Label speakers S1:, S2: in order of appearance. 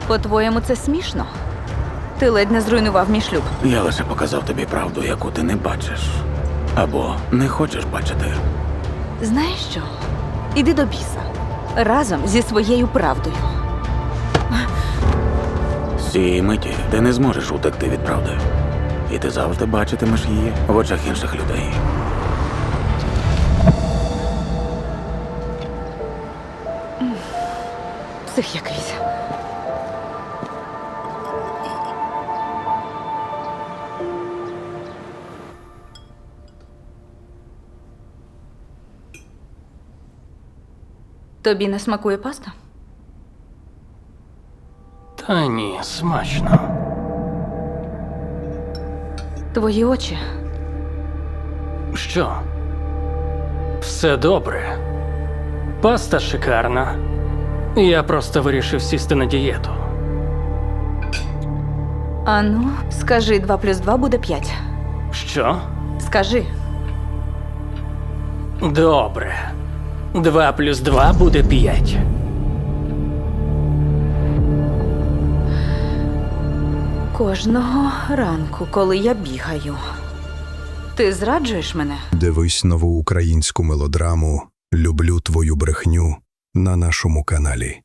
S1: По-твоєму, це смішно? Ти ледь не зруйнував мій шлюб.
S2: Я лише показав тобі правду, яку ти не бачиш. Або не хочеш бачити.
S1: Знаєш що? Іди до біса. Разом зі своєю правдою.
S2: З цієї миті ти не зможеш утекти від правди. І ти завжди бачитимеш її в очах інших людей.
S1: Псих якийсь. Тобі не смакує паста?
S3: Та ні, смачно.
S1: Твої очі.
S3: Що? Все добре. Паста шикарна. Я просто вирішив сісти на дієту.
S1: Ану, скажи, 2 плюс 2 буде 5.
S3: Що?
S1: Скажи.
S3: Добре. 2 плюс 2 буде 5.
S1: Кожного ранку, коли я бігаю. Ти зраджуєш мене?
S4: Дивись нову українську мелодраму «Люблю твою брехню» на нашому каналі.